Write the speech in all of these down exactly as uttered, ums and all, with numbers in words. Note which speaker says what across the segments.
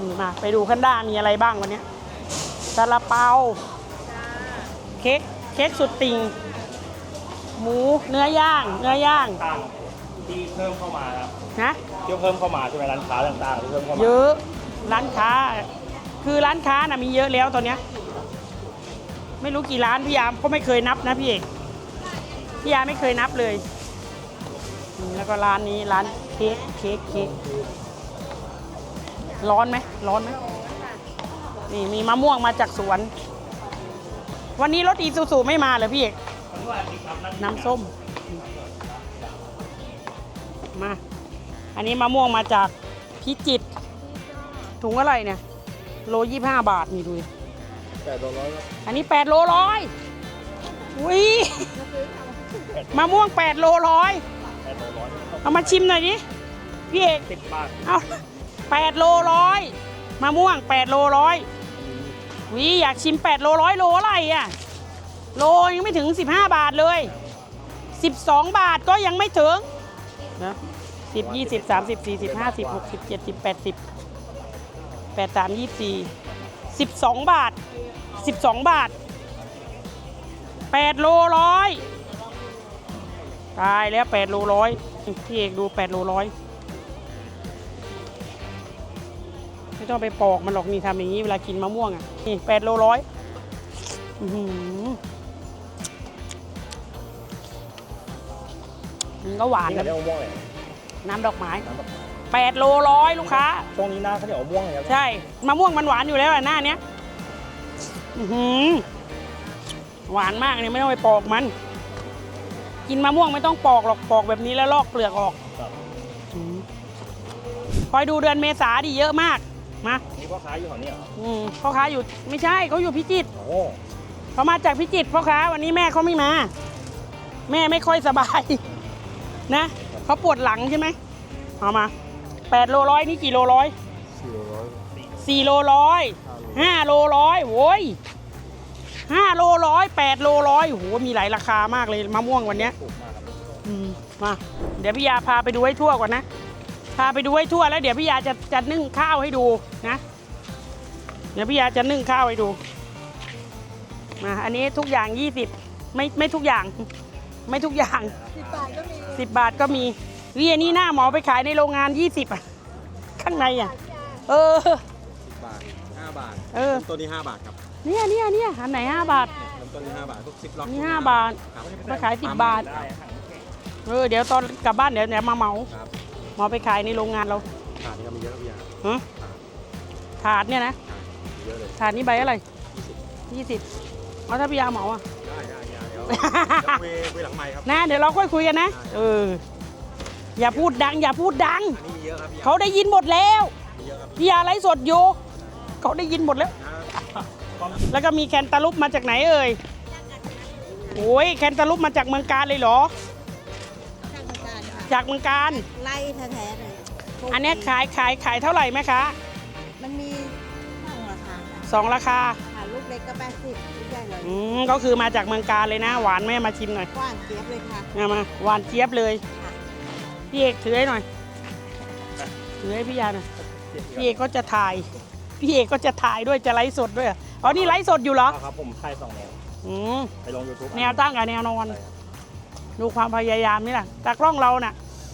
Speaker 1: มาไปดูขั้นด้ามีอะไรบ้างวันนี้ซาลาเปาเค้กเค้กสุดติ่งหมูเนื้อย่างเนื้อย่าง
Speaker 2: ต่างที่เพิ่มเข้ามาครับ
Speaker 1: นะ
Speaker 2: ที่เพิ่มเข้ามาใช่ไหมร้านค้าต่างๆที่เพิ่มเข้ามา
Speaker 1: เยอะร้านค้าคือร้านค้าน่ะมีเยอะแล้วตอนเนี้ยไม่รู้กี่ร้านพี่ยามก็ไม่เคยนับนะพี่เอกพี่ยาไม่เคยนับเลยแล้วก็ร้านนี้ร้านเค้กเค้กเค้กร้อนไหมร้อนไหมนี่มีมะม่วงมาจากสวนวันนี้รถอีซูซูไม่มาเลยพี่เอกน้ำส้มมาอันนี้มะม่วงมาจากพิจิตรถุงอะไรเนี่ยโลยี่ห้าบาทนี่ดู
Speaker 2: แปดโลร้อย
Speaker 1: อันนี้แปดโลร้อยอุ้ยมะม่วงแปดโลร้อยเอามาชิมหน่อยดิพี่เอก
Speaker 2: สิบบาท
Speaker 1: เอาแปดโลร้อยมะม่วงแปดโลร้อยวิอยากชิมแปดโลร้อยโลอะไรอ่ะโลยังไม่ถึงสิบห้าบาทเลยสิบสองบาทก็ยังไม่ถึงนะสิบยี่สิบสามสิบสี่สิบห้าสิบหกสิบเจ็ดสิบแปดสิบแปดสามยี่สี่สิบสองบาทสิบสองบาทแปดโลร้อยตายแล้วแปดโลร้อยพี่เอกดูแปดโลร้อยไม่ต้องไปปอกมันหรอกนี่ทำอย่างนี้เวลากินมะม่วงอ่ะนี่แปดโลร้อยมันก็หวานนะน้ำดอกไม้แปดโลร้อยลูกค้า
Speaker 2: ตรงนี้หน้าเขาเดี๋ยวม่วงเลย
Speaker 1: ใช่มะม่วงมันหวานอยู่แล้วหน้าเนี้ยหวานมากเลยไม่ต้องไปปอกมันกินมะม่วงไม่ต้องปอกหรอกปอกแบบนี้แล้วลอกเปลือกออกคอยดูเดือนเมษาดิเยอะมากมา
Speaker 2: นี่พ่อค้าอยู่แถวนี้เหรอ
Speaker 1: อืมพ่อค้าอยู่ไม่ใช่เขาอยู่พิจิตรเขามาจากพิจิตรพ่อค้าวันนี้แม่เขาไม่มาแม่ไม่ค่อยสบายนะเขาปวดหลังใช่ไหมเอามาแปดโลร้อยนี่กี่โลร้อยสี่โลร้อยสี่โลร้อยห้าโลร้อยโว้ยห้าโลร้อยแปดโลร้อยโหมีหลายราคามากเลยมะม่วงวันนี้อืมมาเดี๋ยวพี่ยาพาไปดูให้ทั่วก่อนนะพาไปดูให้ทั่วแล้วเดี๋ยวพี่ยาจะจะนึ่งข้าวให้ดูนะเดี๋ยวพี่ยาจะนึ่งข้าวให้ดูมาอันนี้ทุกอย่างยี่สิบไม่ไม่ทุกอย่างไม่ทุกอย่างสิบบาทก็มีสิบบาทก็มีวิอันนี้หน้าหมอไปขายในโรงงานยี่สิบอ่ะข้างในอ่ะเออ
Speaker 2: สิบบาทห้าบาท
Speaker 1: เออ
Speaker 2: ตัวนี้ห้าบาทครับ
Speaker 1: เนี่ยเนี่ยเนี่ยอันไหนห้าบาท
Speaker 2: ตัวนี้ห้าบาทพวกสิบล็อก
Speaker 1: นี่ห้าบาทมาขายสิบบาทเออเดี๋ยวตอนกลับบ้านเดี๋ยวเดี๋ยวมาเหมาหมอไปขายในโรงงานเรา
Speaker 2: ถาดนี่ก็มีเยอะพี่ยา
Speaker 1: ฮะถาดเนี่ยนะ
Speaker 2: เยอะเลย
Speaker 1: ถาดนี้ใบอะไรยี่สิบเอาถ้าพี่ยาเหมาอ่ะ
Speaker 2: ได้ได้เดี๋ยวคุยคุยหลังไมค์ครับ
Speaker 1: นะเดี๋ยวเราค่อยคุยกันนะเอออย่าพูดดังอย่าพูดดังเขาได้ยินหมดแล้วพี่ยาไลฟ์สดอยู่เขาได้ยินหมดแล้วแล้วก็มีแคนตาลูปมาจากไหนเอ่ยโอ้ยแคนตาลูปมาจากเมืองกาญเลยเหรอจากเมืองกาญ
Speaker 3: ไล่แท้ๆเลย
Speaker 1: อันนี้ขายขายขายเท่าไหร่ไหมคะ
Speaker 3: มันมีสองราคา
Speaker 1: สองราคา
Speaker 3: ลูกเล็กก็แปดสิบลูกใหญ่เลย
Speaker 1: อืมก็คือมาจากเมืองกาญเลยนะหวานแม่มาชิมหน่อย
Speaker 3: หวานเจี๊ยบเลยค่ะ
Speaker 1: มามาหวานเจี๊ยบเลยพี่เอกถือให้หน่อยถือให้พี่ยาหน่อยพี่เอกก็จะถ่ายพี่เอกก็จะถ่ายด้วยจะไลฟ์สดด้วยอ๋อนี่ไลฟ์สดอยู่เหรอ
Speaker 2: ครับผมถ่ายสองแนว
Speaker 1: อืม
Speaker 2: ไปลง ยูทูบ
Speaker 1: แนวตั้งกับแนวนอนดูความพยายามนี่แหละตากล้องเราน่ะ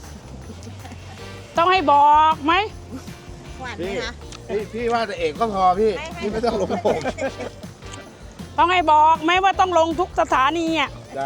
Speaker 1: ต้องให้บอกไหม
Speaker 3: หวานไหมคะ
Speaker 4: พี่พี่ว่าแต่เอกก็พอพี่พี่ไม่ต้องลงผม
Speaker 1: ต้องให้บอกไหมว่าต้องลงทุกสถานีอ่ะ
Speaker 4: จ้า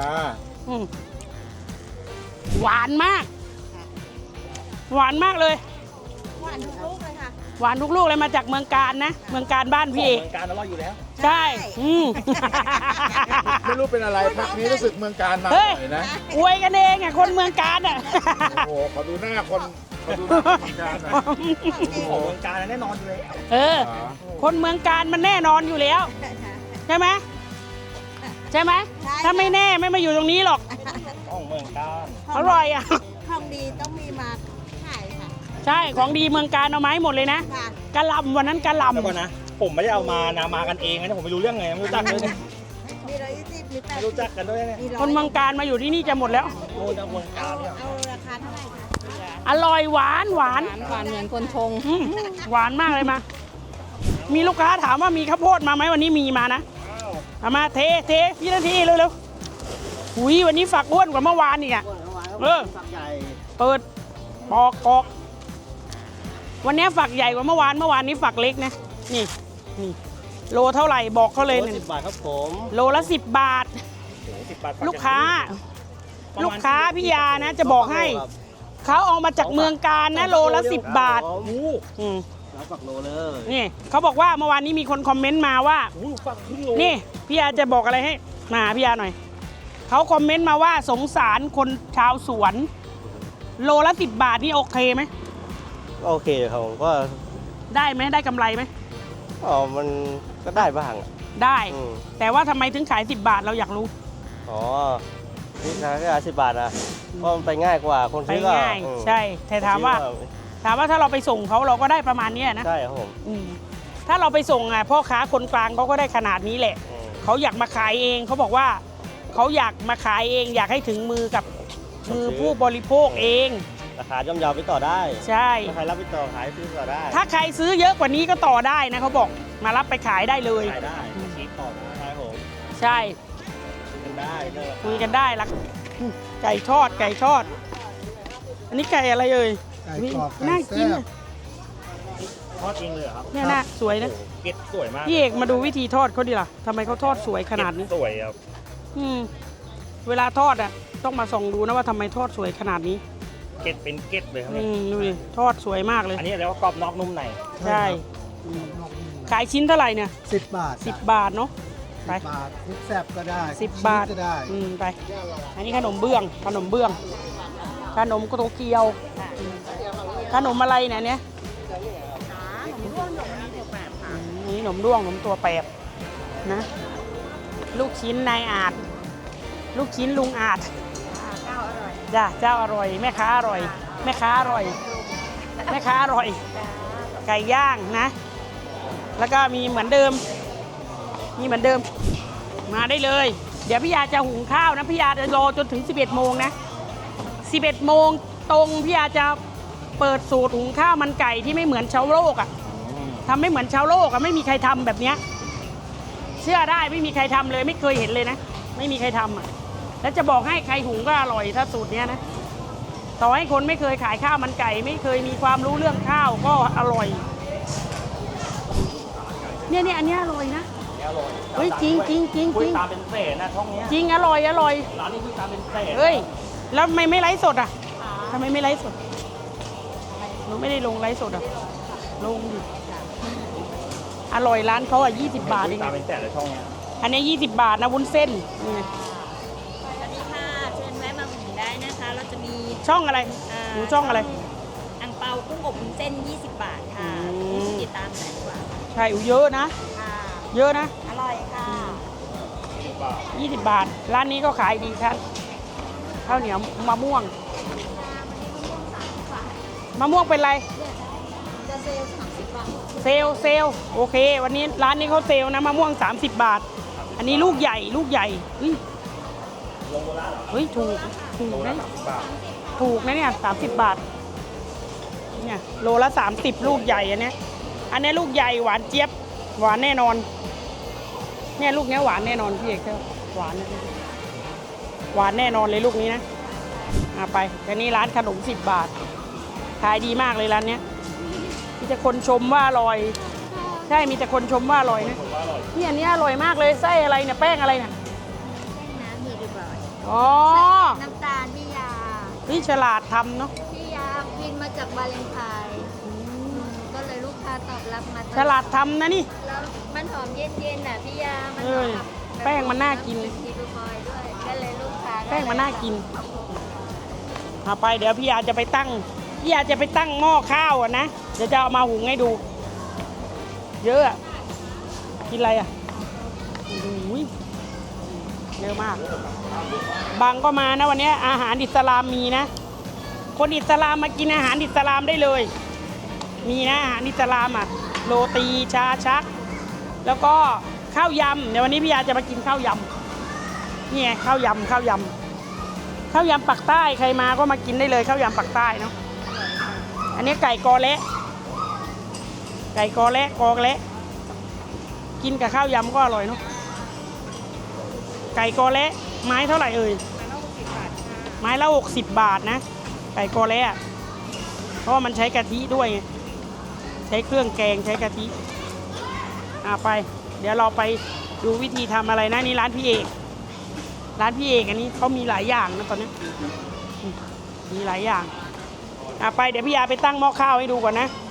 Speaker 1: หวานมากหวานมากเลย
Speaker 3: หวานทุกลูกเลยค่ะ
Speaker 1: หวานทุกลูกเลยมาจากเมืองกาญนะเมืองกาญบ้านพี่เอก
Speaker 2: เมืองกาญอร่อยอยู่แล้ว
Speaker 1: ใช่อืม
Speaker 4: ไม่รู้เป็นอะไรพักนี้รู้สึกเมืองกาญมาหน่อยนะ
Speaker 1: อวยกันเองอ่ะคนเมืองกาญอ่ะ
Speaker 4: โอ้โหขอดูหน้าคนขอดูหน้าเมืองกาญหน่อย
Speaker 2: ของเมืองกาญแน่นอนเลย
Speaker 1: เออคนเมืองกาญมันแน่นอนอยู่แล้วใช่ไหมใช่ไหมถ้าไม่แน่ไม่มาอยู่ตรงนี้หรอก
Speaker 2: ของเมืองกาญ
Speaker 1: อร่อยอ่ะ
Speaker 3: ของดีต้องมีมาขายค่ะ
Speaker 1: ใช่ของดีเมืองกาญเอาไม้หมดเลยนะกะหล่ำวันนั้นกะหล่ำ
Speaker 2: ก่อนนะผมไม่ได้เอามานะมากันเองนะผมไม่รู้เรื่องไงไม่รู้จักเลย
Speaker 3: มีร้อยยี่สิบมีแปด
Speaker 2: รู้จักกันด้วยเนี่ย
Speaker 1: คนเมืองกาญมาอยู่ที่นี่จะหมดแล้ว
Speaker 2: โอ้ยเมืองกาญเนี่ย
Speaker 3: เอาราคาเท่าไหร่คะ
Speaker 1: อร่อยหวานหวาน
Speaker 3: หวานเหมือนคนชง
Speaker 1: หวานมากเลยมามีลูกค้าถามว่ามีข้าวโพดมาไหมวันนี้มีมานะเอามาเทเทพี่นาทีเร็วๆหุยวันนี้ฝักอ้วนกว่าเมื่อวานอีกอ่ะเออเปิดปอกปอกวันนี้ฝักใหญ่กว่าเมื่อวานเมื่อวานนี้ฝักเล็กนะนี่นี่โลเท่าไหร่บอกเขาเลยหนึ่ง
Speaker 2: สิบบาทครับผม
Speaker 1: โลละสิบบาท
Speaker 2: โอ้โหสิบบาท
Speaker 1: ลูกค้า ลูกค้าพี่ยานะจะบอกให้เขาเอามาจากเมืองการนะโลละสิบบาทอืม
Speaker 2: แล้วฝักโลเลย
Speaker 1: นี่เขาบอกว่าเมื่อวานนี้มีคนคอมเมนต์มาว่า
Speaker 2: โอ้โหฝักครึ่งโล
Speaker 1: นี่พี่ยาจะบอกอะไรให้มาพี่ยาหน่อยเขาคอมเมนต์มาว่าสงสารคนชาวสวน โลละสิบบาทนี่โอเคไหม
Speaker 5: โอเคครับผมก็
Speaker 1: ได้ไหมได้กำไรไหม
Speaker 5: อ๋อมันก็ได้บ้างอะ
Speaker 1: ได้
Speaker 5: อืม
Speaker 1: แต่ว่าทำไมถึงขายสิบบาทเราอยากรู้
Speaker 5: อ๋อนี่ขายแค่สิบบาทนะเพราะมันไปง่ายกว่าคน
Speaker 1: ไป
Speaker 5: ซื้อก็
Speaker 1: ง่าย
Speaker 5: อืม
Speaker 1: ใช่แต่ถามว่า
Speaker 5: ซื้อก็
Speaker 1: ถามว่าถ้าเราไปส่งเขาเราก็ได้ประมาณเนี้ยนะ
Speaker 5: ใช่ครับผม
Speaker 1: อืมถ้าเราไปส่งอ่ะพ่อค้าคนกลางเขาก็ได้ขนาดนี้แหละ
Speaker 5: อืม
Speaker 1: เขาอยากมาขายเองเขาบอกว่าเขาอยากมาขายเอง อยากให้ถึงมือกับมือผู้บริโภคเอง
Speaker 5: ราคาย่อมเยาวไปต่อได้
Speaker 1: ใช่
Speaker 5: ถ้าใครรับไปต่อขายซื้อต่อได้
Speaker 1: ถ้าใครซื้อเยอะกว่านี้ก็ต่อได้นะเขาบอกมารับไปขายได้เลย
Speaker 5: ขายได้ชีพต่อได้ครับผม
Speaker 1: ใช่
Speaker 5: คุยกันได้เรื่องราคา
Speaker 1: คุยกันได้ละอืมไก่ทอดไก่ทอด อันนี้ไก่อะไรเอ่ย
Speaker 4: ไก่กรอบไก่
Speaker 1: น่ากิน
Speaker 4: แซ่บ
Speaker 1: อะ
Speaker 2: ทอดจริงเลยเหรอครับ
Speaker 1: เนี่ยน่าสวยนะ
Speaker 2: โอ้โหเก็ดสวยมาก
Speaker 1: พี่เอกมาดูวิธีทอดเขาดิล่ะทำไมเขาทอดสวยขนาดนี้
Speaker 2: เก็สวยครับ
Speaker 1: อืมเวลาทอดอ่ะต้องมาส่องดูนะว่าทำไมทอดสวยขนาดนี้
Speaker 2: เก็ดเป็นเก็ดเลยครับ
Speaker 1: อื
Speaker 2: เนี่ย
Speaker 1: มดูดิทอดสวยมากเลย
Speaker 2: อันนี้เรียกว่ากรอบนอกนุ่มใน
Speaker 1: ใช่อืมขายชิ้นเท่าไหร่เนี่ย
Speaker 4: สิบบาท
Speaker 1: สิบบาทเนาะไป
Speaker 4: สิบบาทพริกแซ่บก็ได้
Speaker 1: สิบบาท
Speaker 4: ชีสก็ได้
Speaker 1: อืมไป อันนี้ขนมเบื้อง ขนมเบื้อง ขนมโตเกียวอืมขนมอะไรเนี่ยเนี่ยอืมนี่ขนมด้วงขนมตัวแปบนะ ลูกชิ้นนายอาจ ลูกชิ้นลุงอาจจ้าเจ้าอร่อย แม่ค้าอร่อย แม่ค้าอร่อย แม่ค้าอร่อย ไก่ย่างนะ แล้วก็มีเหมือนเดิม มีเหมือนเดิม มาได้เลย เดี๋ยวพี่ยาจะหุงข้าวนะพี่ยาจะรอจนถึงสิบเอ็ดโมงนะสิบเอ็ดโมงตรงพี่ยาจะเปิดสูตรหุงข้าวมันไก่ที่ไม่เหมือนชาวโลกอะ่ะทำไม่เหมือนชาวโลกอะ่ะไม่มีใครทำแบบเนี้ยเชื่อได้ไม่มีใครทำเลยไม่เคยเห็นเลยนะไม่มีใครทำอ่ะแล้วจะบอกให้ใครหุงก็อร่อยถ้าสูตรเนี้ยนะต่อให้คนไม่เคยขายข้าวมันไก่ ไม่เคยมีความรู้เรื่องข้าวก็อร่อยเนี่ยเนี่ยอันเนี้ยอร่อยนะ
Speaker 2: อร่อย
Speaker 1: เฮ้ยจริงจริงจริง
Speaker 2: คุ
Speaker 1: จ
Speaker 2: ย
Speaker 1: ริง
Speaker 2: ตามเป็นเศษนะช่องเนี้ย
Speaker 1: จริงอร่อยอร่อย
Speaker 2: ร้านนี้คุยตามเป็นเศษ
Speaker 1: เฮ้ยแล้วทำไมไม่ไลฟ์สดอ่ะทำไมไม่ไลฟ์สดหนูไม่ได้ลงไลฟ์สดอ่ะลงดิอร่อยร้านเขาอ่ะยี่สิบบาทเอง
Speaker 2: ตามเป็นเศษเลยช่องเนี้ย
Speaker 1: อันนี้ยี่สิบบาทนะวุ้นเส้นนี่ไง
Speaker 3: สวัสดีค่ะเชิญแวะมาอุดหนุนได้นะคะ เราจะมี
Speaker 1: ช่องอะไร
Speaker 3: า
Speaker 1: หนูช่องอะไร
Speaker 3: อังเปากุ้งอบวุ้นเส้นยี่สิบบาทค่ะ
Speaker 1: อืม
Speaker 3: ผู้ติดตามแสนกว่า
Speaker 1: ใช่อูเยอะนะ
Speaker 3: ค่ะ
Speaker 1: เยอะนะ
Speaker 3: อร่อยค่ะ
Speaker 1: ยี่สิบบาท ร้านนี้ก็ขายดีครับข้าวเหนียวมะม่วงมะม่วงเป็นไร
Speaker 3: จะเซลล์สามสิบบาท
Speaker 1: เซลลเซลลโอเค วันนี้ร้านนี้เขาเซลลนะมะม่วงสามสิบบาท อันนี้ลูกใหญ่ลูกใหญ่เฮ้ยเฮ้ยถูกถูกนะถูกนะเนี่ยสามสิบบาทเนี่ยโลละสามสิบลูกใหญ่อันเนี้ยอันนี้ลูกใหญ่หวานเจี๊ยบหวานแน่นอนเนี่ยลูกเนี้ยหวานแน่นอนพี่เอกหวานนะหวานแน่นอนเลยลูกนี้นะเอาไปแต่นี่ร้านขนมสิบบาทขายดีมากเลยร้านเนี้ยมีแต่คนชมว่าอร่อยใช่มีแต่คนชมว่าอร่อยนะนี่อันนี้อร่อยมากเลยไส้อะไรเนี่ยแป้งอะไรเนี่ย
Speaker 3: น้ำมีดีบ่อย
Speaker 1: อ๋อ
Speaker 3: น้ำตาลพี่ยา
Speaker 1: นี่ฉลาดทำเนาะ
Speaker 3: พี่ยาบินมาจากวาเลนไทน์ก็เลยลูกค้าตอบรับมา
Speaker 1: ฉลาดทำนะนี่
Speaker 3: แล้วมันหอมเย็นๆน่ะพี่ยา มัน
Speaker 1: เอ
Speaker 3: หอ
Speaker 1: อ
Speaker 3: มแบบ
Speaker 1: แป้งมันน่ากิน
Speaker 3: ดีบอยด้วย ก็เลยลูกค้า
Speaker 1: แป้งมันน่ากินเอาไปเดี๋ยวพี่ยาจะไปตั้งพี่ยาจะไปตั้งหม้อข้าวอ่ะนะเดี๋ยวจะเอามาหุงให้ดู เยอะอะกินอะไรอ่ะโอ้โหเยอะมาก บางก็มานะวันนี้อาหารอิสลามมีนะ คนอิสลามมากินอาหารอิสลามได้เลย มีนะอาหารอิสลามอ่ะโรตีชาชัก แล้วก็ข้าวยำเดี๋ยววันนี้พี่ยาจะมากินข้าวยำนี่ไงข้าวยำข้าวยำข้าวยำปักใต้ใครมาก็มากินได้เลยข้าวยำปักใต้เนาะอันนี้ไก่กอเละไก่กอเละกอเละกินกับข้าวยำก็อร่อยเนาะไก่กอเละไม้เท่าไหร่เอ่ยไม้ละหกสิบบาทนะไก่กอเละอะเพราะว่ามันใช้กะทิด้วยไงใช้เครื่องแกงใช้กะทิอ่ะไป เดี๋ยวเราไปดูวิธีทำอะไรนะนี่ร้านพี่เอกร้านพี่เอกอันนี้เขามีหลายอย่างนะตอนนี้มีหลายอย่างอ่ะไปเดี๋ยวพี่ยาไปตั้งหม้อข้าวให้ดูก่อนนะ